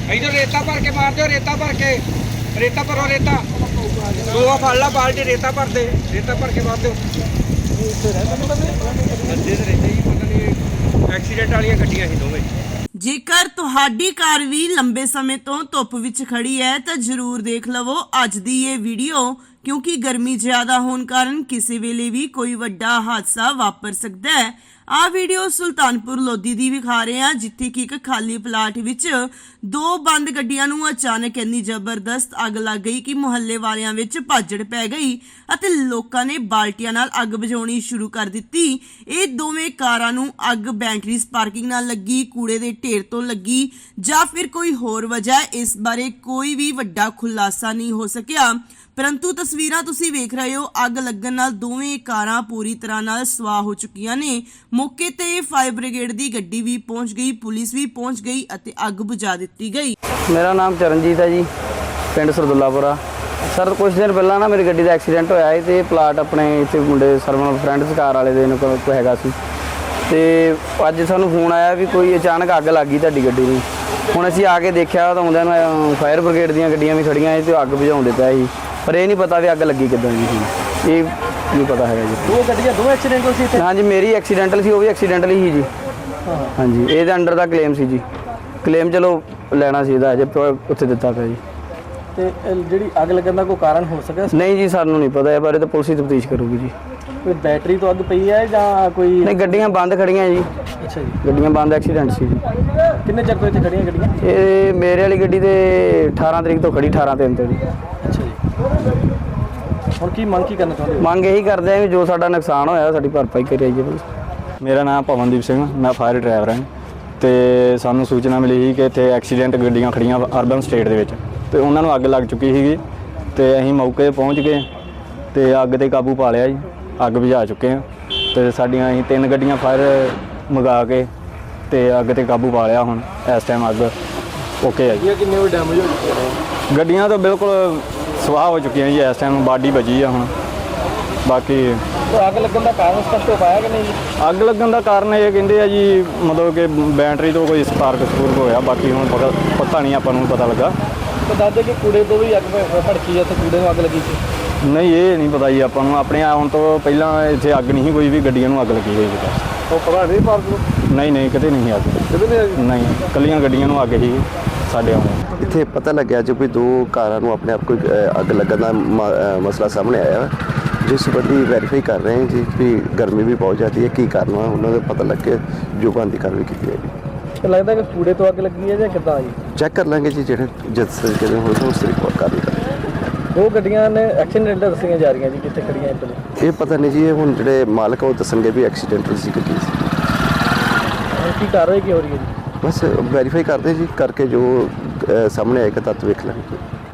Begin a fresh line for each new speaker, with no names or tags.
इधर रेता भर के मार दो, रेता भर के, रेता भरो, रेता दो फड़ ला बाल्टी रेता भर दे, रेता भर के मार दो। एक्सीडेंट वाली गड्डियां ही दोवें।
ਜੇਕਰ ਤੁਹਾਡੀ ਕਾਰ ਵੀ ਲੰਬੇ ਸਮੇਂ ਤੋਂ ਧੁੱਪ ਵਿੱਚ ਖੜੀ ਹੈ ਤਾਂ ਜ਼ਰੂਰ ਦੇਖ ਲਵੋ ਅੱਜ ਦੀ ਇਹ ਵੀਡੀਓ, ਕਿਉਂਕਿ ਗਰਮੀ ਜ਼ਿਆਦਾ ਹੋਣ ਕਾਰਨ ਕਿਸੇ ਵੇਲੇ ਵੀ ਕੋਈ ਵੱਡਾ ਹਾਦਸਾ ਵਾਪਰ ਸਕਦਾ ਹੈ। ਆਹ ਵੀਡੀਓ ਸੁਲਤਾਨਪੁਰ ਲੋਧੀ ਦੀ ਵਿਖਾ ਰਹੇ ਹਾਂ, ਜਿੱਥੇ ਕਿ ਇੱਕ ਖਾਲੀ ਪਲਾਟ ਵਿੱਚ ਦੋ ਬੰਦ ਗੱਡੀਆਂ ਨੂੰ ਅਚਾਨਕ ਇੰਨੀ ਜ਼ਬਰਦਸਤ ਅੱਗ ਲੱਗ ਗਈ ਕਿ ਮੁਹੱਲੇ ਵਾਲਿਆਂ ਵਿੱਚ ਭਾਜੜ ਪੈ ਗਈ ਅਤੇ ਲੋਕਾਂ ਨੇ ਬਾਲਟੀਆਂ ਨਾਲ ਅੱਗ ਬੁਝਾਉਣੀ ਸ਼ੁਰੂ ਕਰ ਦਿੱਤੀ। ਇਹ ਦੋਵੇਂ ਕਾਰਾਂ ਨੂੰ ਅੱਗ ਬੈਟਰੀ ਸਪਾਰਕਿੰਗ ਨਾਲ ਲੱਗੀ, ਕੂੜੇ ਦੇ ਢੇਰ ਤੋਂ ਲੱਗੀ ਜਾਂ ਫਿਰ ਕੋਈ ਹੋਰ ਵਜ੍ਹਾ, ਇਸ ਬਾਰੇ ਕੋਈ ਵੀ ਵੱਡਾ ਖੁਲਾਸਾ ਨਹੀਂ ਹੋ ਸਕਿਆ। परंतु तस्वीरां तुसी वेख रहे हो, अग लगन नाल दोवें कारां पूरी तरह नाल सवाह हो चुकियां ने। मौके ते फायर ब्रिगेड दी गड्डी भी पहुंच गई, पुलिस भी पहुंच गई अते अग बुझा दित्ती गई।
मेरा नाम चरणजीत है जी, पिंड सरदुल्लापुरा। सर कुछ दिन पहला ना मेरी गड्डी का एक्सीडेंट होया है ते प्लाट अपने इत्थे मुंडे सरवण फ्रेंड्स कार वाले दे कोई हैगा सी ते अज सानू फोन आया भी कोई अचानक अग लग गई तुहाडी गड्डी नूं। हुण असीं आके देखिआ तां आउंदिआं नूं फायर ब्रिगेड दीआं गड्डियां भी खड़ियां ते अग बुझाउंदे पए सी, पर ये नहीं पता भी अग लगी किदां दी सी, ये नहीं पता है जी।
दो गड्डियां दो एक्सीडेंटल सी इत्थे?
हाँ जी, मेरी एक्सीडेंटल सी, वो भी एक्सीडेंटल ही जी। हाँ जी, ये अंडर दा क्लेम सी जी, क्लेम चलो लैना सी अजे उत्थे दित्ता पिया जी।
ते ਜਿਹੜੀ ਅੱਗ ਲੱਗਣ ਦਾ ਕੋਈ ਕਾਰਨ ਹੋ ਸਕਿਆ?
नहीं जी, सानू नहीं पता, इस बारे तो पुलिस ही तफ्तीश करूगी जी।
ਕੋਈ ਬੈਟਰੀ ਤੋਂ ਅੱਗ ਪਈ ਹੈ ਜਾਂ ਕੋਈ?
नहीं, गड्डियां बंद खड़ियां जी,
ਅੱਛਾ ਜੀ।
गड्डियां बंद एक्सीडेंट सी जी।
ਕਿੰਨੇ ਚਿਰ ਤੋਂ ਇੱਥੇ ਖੜੀਆਂ ਗੱਡੀਆਂ?
ये मेरे वाली गड्डी ते 18 तरीक तो खड़ी, 18/3 तो जी।
ਅੱਛਾ ਜੀ। ਹੁਣ ਕੀ ਮੰਗ ਕੀ ਕਰਨਾ ਚਾਹੁੰਦੇ ਹੋ?
ਮੰਗ ਇਹੀ ਕਰਦੇ ਆ ਵੀ ਜੋ ਸਾਡਾ ਨੁਕਸਾਨ ਹੋਇਆ ਸਾਡੀ ਭਰਪਾਈ ਕਰੀ ਜਾਈਏ ਬਸ। ਮੇਰਾ ਨਾਮ ਪਵਨਦੀਪ ਸਿੰਘ, ਮੈਂ ਫਾਇਰ ਡਰਾਈਵਰ ਹਾਂ ਤੇ ਸਾਨੂੰ ਸੂਚਨਾ ਮਿਲੀ ਸੀ ਕਿ ਇੱਥੇ ਐਕਸੀਡੈਂਟ ਗੱਡੀਆਂ ਖੜੀਆਂ ਅਰਬਨ ਸਟੇਟ ਦੇ ਵਿੱਚ ਤੇ ਉਹਨਾਂ ਨੂੰ ਅੱਗ ਲੱਗ ਚੁੱਕੀ ਸੀਗੀ ਤੇ ਅਸੀਂ ਮੌਕੇ 'ਤੇ ਪਹੁੰਚ ਗਏ ਤੇ ਅੱਗ 'ਤੇ ਕਾਬੂ ਪਾ ਲਿਆ ਜੀ, ਅੱਗ ਬੁਝਾ ਚੁੱਕੇ ਹਾਂ ਤੇ ਸਾਡੀਆਂ ਅਸੀਂ 3 ਗੱਡੀਆਂ ਫਾਇਰ ਮੰਗਾ ਕੇ ਤੇ ਅੱਗ 'ਤੇ ਕਾਬੂ ਪਾ ਲਿਆ। ਹੁਣ ਇਸ ਟਾਈਮ ਅੱਗ ਓਕੇ ਹੈ ਜੀ।
ਕਿੰਨੇ ਵੀ ਡੈਮੇਜ ਹੋ ਚੁੱਕੇ ਨੇ?
ਗੱਡੀਆਂ ਤਾਂ ਬਿਲਕੁਲ ਸਵਾਹ ਹੋ ਚੁੱਕੀਆਂ ਜੀ, ਇਸ ਟਾਈਮ ਬਾਡੀ ਬਚੀ ਆ ਹੁਣ। ਬਾਕੀ
ਅੱਗ ਲੱਗਣ ਦਾ ਕਾਰਨ ਸਪਸ਼ਟ ਹੋ ਪਾਇਆ ਕਿ ਨਹੀਂ?
ਅੱਗ ਲੱਗਣ ਦਾ ਕਾਰਨ ਇਹ ਕਹਿੰਦੇ ਆ ਜੀ, ਮਤਲਬ ਕਿ ਬੈਟਰੀ ਤੋਂ ਕੋਈ ਸਪਾਰਕ ਹੋਇਆ, ਬਾਕੀ ਹੁਣ ਪਤਾ ਨਹੀਂ, ਆਪਾਂ ਨੂੰ ਪਤਾ ਲੱਗਾ।
ਤਾਂ ਦੱਸਦੇ ਕਿ ਕੂੜੇ ਤੋਂ ਵੀ ਅੱਗ ਭੜਕੀ ਹੈ ਤੇ ਕੂੜੇ ਨੂੰ ਅੱਗ ਲੱਗੀ ਸੀ?
ਨਹੀਂ, ਇਹ ਨਹੀਂ ਪਤਾ ਜੀ ਆਪਾਂ ਨੂੰ, ਆਪਣੇ ਆਉਣ ਤੋਂ ਪਹਿਲਾਂ ਇੱਥੇ ਅੱਗ ਨਹੀਂ ਕੋਈ ਵੀ ਗੱਡੀਆਂ ਨੂੰ ਅੱਗ ਲੱਗੀ ਹੋਈ ਸੀ।
ਉਹ ਪਤਾ ਨਹੀਂ ਪਾਰਕ?
ਨਹੀਂ, ਕਿਤੇ ਨਹੀਂ ਅੱਗ,
ਕਿਤੇ ਨਹੀਂ?
ਨਹੀਂ, ਇਕੱਲੀਆਂ ਗੱਡੀਆਂ ਨੂੰ ਅੱਗ ਹੀ ਸਾਡੇ ਆਉਣ।
ਇੱਥੇ ਪਤਾ ਲੱਗਿਆ ਜੋ ਕੋਈ 2 ਕਾਰਾਂ ਨੂੰ ਆਪਣੇ ਆਪ ਕੋਈ ਅੱਗ ਲੱਗਣ ਦਾ ਮਸਲਾ ਸਾਹਮਣੇ ਆਇਆ, ਜਿਸ ਸੰਬੰਧੀ ਵੈਰੀਫਾਈ ਕਰ ਰਹੇ ਹਾਂ ਜੀ ਵੀ ਗਰਮੀ ਵੀ ਬਹੁਤ ਜ਼ਿਆਦਾ ਹੈ, ਕੀ ਕਾਰਨ ਹੈ ਉਹਨਾਂ ਦਾ ਪਤਾ ਲੱਗ ਕੇ ਜੋ ਬਣਦੀ ਕਾਰਵਾਈ ਕੀਤੀ ਜਾਏਗੀ।
ਤਾਂ ਲੱਗਦਾ ਕਿ ਕੂੜੇ ਤੋਂ ਅੱਗ ਲੱਗੀ ਹੈ ਜਾਂ ਕਿੱਦਾਂ ਜੀ?
ਚੈੱਕ ਕਰ ਲਾਂਗੇ ਜੀ, ਜਿਹੜੇ ਜਿਸ ਤਰੀਕੇ ਦੇ ਹੋਏ ਉਸ ਤਰੀਕੇ ਨਾਲ ਕਾਰਵਾਈ ਕਰਾਂਗੇ।
2 ਗੱਡੀਆਂ ਨੇ ਐਕਸੀਡੈਂਟਲ ਦੱਸੀਆਂ ਜਾ ਰਹੀਆਂ ਜੀ, ਕਿੱਥੇ ਖੜੀਆਂ ਇੱਥੇ?
ਇਹ ਪਤਾ ਨਹੀਂ ਜੀ, ਇਹ ਹੁਣ ਜਿਹੜੇ ਮਾਲਕ ਉਹ ਦੱਸਣਗੇ ਵੀ ਐਕਸੀਡੈਂਟਲ ਸੀ ਕਿ ਕੀ ਸੀ।
ਕੀ ਕਾਰਵਾਈ ਕੀ ਹੋ ਰਹੀ ਹੈ ਜੀ?
ਬਸ ਵੈਰੀਫਾਈ ਕਰਦੇ ਜੀ, ਕਰਕੇ ਜੋ ਸਾਹਮਣੇ ਆਏਗਾ ਤੱਤ ਵੇਖ ਲਾਂਗੇ।